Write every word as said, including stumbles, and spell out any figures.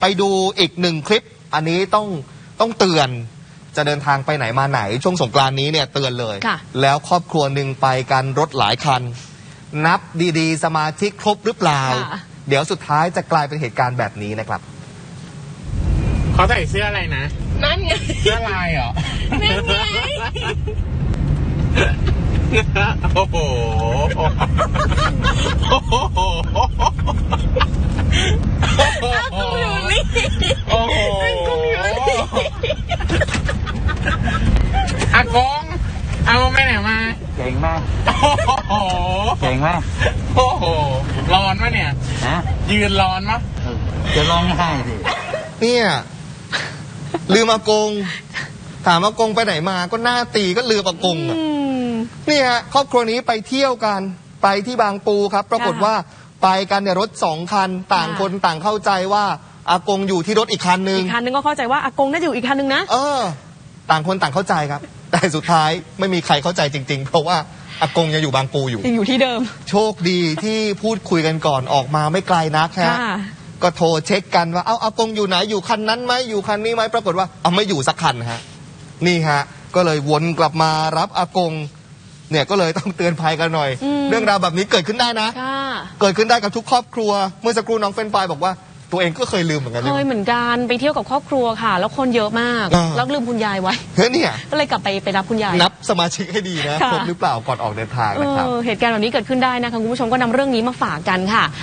ไปดูอีกหนึ่งคลิปอันนี้ต้องต้องเตือนจะเดินทางไปไหนมาไหนช่วงสงกรานต์นี้เนี่ยเตือนเลยแล้วครอบครัวหนึ่งไปกันรถหลายคันนับดีๆสมาชิกครบหรือเปล่าเดี๋ยวสุดท้ายจะกลายเป็นเหตุการณ์แบบนี้นะครับเขาใส่เสื้ออะไรนะนั่นไงเสื้อลายเหรอนั่นไงโอ้โหโอ้โหอากูอยู่นี่โอ้โหอากงเอาไปไหนมาเก่งมากโอ้โหเก่งมากโอ้โหร้อนปะเนี่ยฮะยืนร้อนปะจะร้องไห้สิเนี่ยลืมอากงถามอากงไปไหนมาก็หน้าตีก็ลืมอากงอ่ะนี่ฮะครอบครัวนี้ไปเที่ยวกันไปที่บางปูครับปรากฏว่าไปกันเนี่ยรถสองคันต่างคนต่างเข้าใจว่าอากงอยู่ที่รถอีกคันนึงอีกคันนึงก็เข้าใจว่าอากงน่าจะอยู่อีกคันนึงนะเออต่างคนต่างเข้าใจครับแต่สุดท้ายไม่มีใครเข้าใจจริงๆเพราะว่าอากงยังอยู่บางปูอยู่ยังอยู่ที่เดิมโชคดีที่พูดคุยกันก่อนออกมาไม่ไกลนักฮะก็โทรเช็คกันว่าเอาอากงอยู่ไหนอยู่คันนั้นไหมอยู่คันนี้ไหมปรากฏว่าเอาไม่อยู่สักคันฮะนี่ฮะก็เลยวนกลับมารับอากงเนี่ยก็เลยต้องเตือนภัยกันหน่อยเรื่องราวแบบนี้เกิดขึ้นได้นะเกิดขึ้นได้กับทุกครอบครัวเมื่อสักครู่น้องเฟรนไฟบอกว่าตัวเองก็เคยลืมเหมือนกันเคยเหมือนกันไปเที่ยวกับครอบครัวค่ะแล้วคนเยอะมากแล้วลืมคุณยายไว้เฮ้ยเนี่ยก็เลยกลับไปไปรับคุณยายนับสมาชิกให้ดีนะครบหรือเปล่าก่อนออกเดินทางนะครับเหตุการณ์แบบนี้เกิดขึ้นได้นะคะคุณผู้ชมก็นำเรื่องนี้มาฝากกันค่ะ